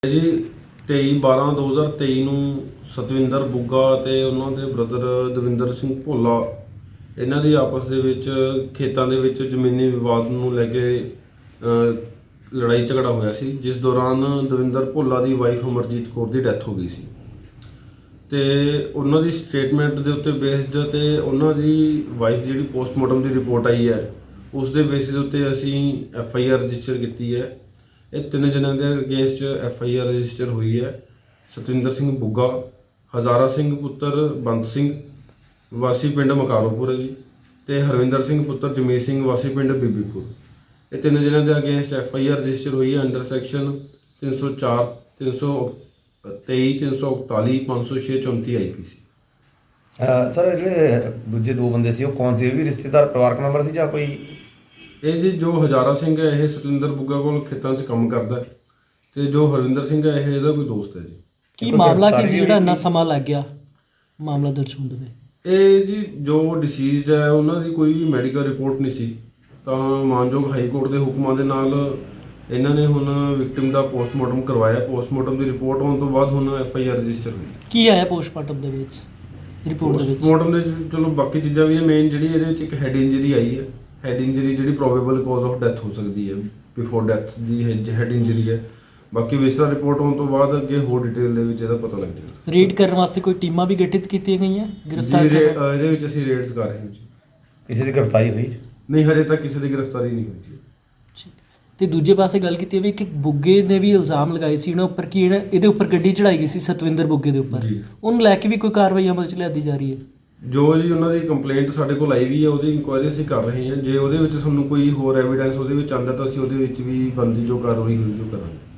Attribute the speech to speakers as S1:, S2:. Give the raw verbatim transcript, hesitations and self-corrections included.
S1: ਜੀ ਤੇਈ ਬਾਰਾਂ ਦੋ ਹਜ਼ਾਰ ਤੇਈ ਨੂੰ ਸਤਵਿੰਦਰ ਬੁੱਗਾ ਅਤੇ ਉਹਨਾਂ ਦੇ ਬ੍ਰਦਰ ਦਵਿੰਦਰ ਸਿੰਘ ਭੋਲਾ ਇਹਨਾਂ ਦੀ ਆਪਸ ਦੇ ਵਿੱਚ ਖੇਤਾਂ ਦੇ ਵਿੱਚ ਜ਼ਮੀਨੀ ਵਿਵਾਦ ਨੂੰ ਲੈ ਕੇ ਲੜਾਈ ਝਗੜਾ ਹੋਇਆ ਸੀ, ਜਿਸ ਦੌਰਾਨ ਦਵਿੰਦਰ ਭੋਲਾ ਦੀ ਵਾਈਫ ਅਮਰਜੀਤ ਕੌਰ ਦੀ ਡੈਥ ਹੋ ਗਈ ਸੀ ਤੇ ਉਹਨਾਂ ਦੀ ਸਟੇਟਮੈਂਟ ਦੇ ਉੱਤੇ ਬੇਸਡ ਤੇ ਉਹਨਾਂ ਦੀ ਵਾਈਫ ਜਿਹੜੀ ਪੋਸਟਮਾਰਟਮ ਦੀ ਰਿਪੋਰਟ ਆਈ ਹੈ ਉਸ ਦੇ ਬੇਸਿਸ ਦੇ ਉੱਤੇ ਅਸੀਂ ਐਫ ਆਈ ਆਰ ਰਜਿਸਟਰ ਕੀਤੀ ਹੈ। ਇਹ ਤਿੰਨ ਜਣਿਆਂ ਦੇ against F I R register ਹੋਈ ਹੈ। ਸਤਵਿੰਦਰ ਸਿੰਘ ਬੁੱਗਾ, ਹਜ਼ਾਰਾ ਸਿੰਘ ਪੁੱਤਰ ਬੰਤ ਸਿੰਘ ਵਾਸੀ ਪਿੰਡ ਮਕਾਰੋਪੁਰ ਹੈ ਜੀ, ਤੇ ਹਰਵਿੰਦਰ ਸਿੰਘ ਪੁੱਤਰ ਜਮੀਤ ਸਿੰਘ ਵਾਸੀ ਪਿੰਡ ਬੀਬੀਪੁਰ। ਇਹ ਤਿੰਨ ਜਣਿਆਂ ਦੇ against F I R register ਹੋਈ ਹੈ ਅੰਡਰ ਸੈਕਸ਼ਨ ਤਿੰਨ ਸੌ ਚਾਰ, ਤਿੰਨ ਸੌ ਤੇਈ, ਤਿੰਨ ਸੌ ਇਕਤਾਲੀ, ਪੰਜ ਸੌ ਛੇ, ਚੌਂਤੀ ਆਈ ਪੀ ਸੀ।
S2: ਸਰ ਜਿਹੜੇ ਦੂਜੇ ਦੋ ਬੰਦੇ ਸੀ ਉਹ ਕੌਣ ਸੀ? ਇਹ ਵੀ ਰਿਸ਼ਤੇਦਾਰ ਪਰਿਵਾਰਕ ਮੈਂਬਰ ਸੀ ਜਾਂ ਕੋਈ?
S1: ਇਹ ਜੀ ਜੋ ਹਜ਼ਾਰਾ ਸਿੰਘ ਹੈ ਇਹ ਸਤਵਿੰਦਰ ਬੁੱਗਾ ਕੋਲ ਖੇਤਾਂ 'ਚ ਕੰਮ ਕਰਦਾ ਹੈ ਤੇ ਜੋ ਹਰਵਿੰਦਰ ਸਿੰਘ ਹੈ ਇਹ ਇਹਦਾ ਕੋਈ ਦੋਸਤ ਹੈ ਜੀ।
S3: ਕੀ ਮਾਮਲਾ ਕੀ ਸੀ ਜਿਹੜਾ ਇੰਨਾ ਸਮਾਂ ਲੱਗ ਗਿਆ ਮਾਮਲਾ ਦਰਜ ਹੋਣ ਦੇ?
S1: ਇਹ ਜੀ ਜੋ ਡਿਸੀਜ਼ਡ ਹੈ ਉਹਨਾਂ ਦੀ ਕੋਈ ਵੀ ਮੈਡੀਕਲ ਰਿਪੋਰਟ ਨਹੀਂ ਸੀ, ਤਾਂ ਮਾਨਯੋਗ ਹਾਈ ਕੋਰਟ ਦੇ ਹੁਕਮਾਂ ਦੇ ਨਾਲ ਇਹਨਾਂ ਨੇ ਹੁਣ ਵਿਕਟਿਮ ਦਾ ਪੋਸਟਮਾਰਟਮ ਕਰਵਾਇਆ। ਪੋਸਟਮਾਰਟਮ ਦੀ ਰਿਪੋਰਟ ਆਉਣ ਤੋਂ ਬਾਅਦ ਹੁਣ ਐਫ ਆਈ ਆਰ ਰਜਿਸਟਰ ਹੋਈ।
S3: ਕੀ ਆਇਆ ਪੋਸਟਮਾਰਟਮ ਦੇ ਵਿੱਚ ਰਿਪੋਰਟ ਦੇ ਵਿੱਚ?
S1: ਪੋਸਟਮਾਰਟਮ ਦੇ ਵਿੱਚ ਚਲੋ ਬਾਕੀ ਚੀਜ਼ਾਂ ਵੀ ਹੈ, ਮੇਨ ਜਿਹੜੀ ਇਹਦੇ ਵਿੱਚ ਇੱਕ ਹੈਡ ਇੰਜਰੀ ਆਈ ਹੈ। ਹੈਡ ਇੰਜਰੀ ਜਿਹੜੀ ਪ੍ਰੋਬੇਬਲ ਕਾਜ਼ ਆਫ ਡੈਥ ਹੋ ਸਕਦੀ ਹੈ, ਬਿਫੋਰ ਡੈਥ ਦੀ ਹੈਡ ਇੰਜਰੀ ਹੈ। ਬਾਕੀ ਵਿਸਰਾ ਰਿਪੋਰਟ ਆਉਣ ਤੋਂ ਬਾਅਦ ਅੱਗੇ ਹੋਰ ਡਿਟੇਲ ਦੇ ਵਿੱਚ ਇਹਦਾ ਪਤਾ ਲੱਗ ਜਾਏਗਾ।
S3: ਰੇਡ ਕਰਨ ਵਾਸਤੇ ਕੋਈ ਟੀਮਾਂ ਵੀ ਗਠਿਤ ਕੀਤੀਆਂ ਗਈਆਂ ਗ੍ਰਿਫਤਾਰ
S1: ਜੀ? ਇਹਦੇ ਵਿੱਚ ਅਸੀਂ ਰੇਡਸ ਕਰ ਰਹੇ ਹਾਂ ਜੀ।
S2: ਕਿਸੇ ਦੀ ਗ੍ਰਿਫਤਾਰੀ ਹੋਈ?
S1: ਨਹੀਂ, ਹਜੇ ਤੱਕ ਕਿਸੇ ਦੀ ਗ੍ਰਿਫਤਾਰੀ ਨਹੀਂ ਹੋਈ ਜੀ।
S3: ਤੇ ਦੂਜੇ ਪਾਸੇ ਗੱਲ ਕੀਤੀ ਵੀ ਕਿ ਬੁੱਗੇ ਨੇ ਵੀ ਇਲਜ਼ਾਮ ਲਗਾਏ ਸੀ ਇਹਨਾਂ ਉੱਪਰ ਕਿ ਇਹਦੇ ਉੱਪਰ ਗੱਡੀ ਚੜਾਈ ਗਈ ਸੀ ਸਤਵਿੰਦਰ ਬੁੱਗੇ ਦੇ ਉੱਪਰ, ਉਹਨੂੰ ਲੈ ਕੇ ਵੀ ਕੋਈ ਕਾਰਵਾਈ ਅਮਲ 'ਚ ਲਿਆਦੀ ਜਾ ਰਹੀ ਹੈ? ਜੋ
S1: ਜੀ ਉਹਨਾਂ ਦੀ ਕੰਪਲੇਂਟ ਸਾਡੇ ਕੋਲ ਆਈ ਵੀ ਹੈ, ਉਹਦੀ ਇਨਕੁਆਇਰੀ ਅਸੀਂ ਕਰ ਰਹੇ ਹਾਂ। ਜੇ ਉਹਦੇ ਵਿੱਚ ਸਾਨੂੰ ਕੋਈ ਹੋਰ ਐਵੀਡੈਂਸ ਉਹਦੇ ਵਿੱਚ ਆਉਂਦਾ ਤਾਂ ਅਸੀਂ ਉਹਦੇ ਵਿੱਚ ਵੀ ਬਣਦੀ ਜੋ ਕਾਰਵਾਈ ਹੋਈ ਉਹ ਕਰਾਂਗੇ।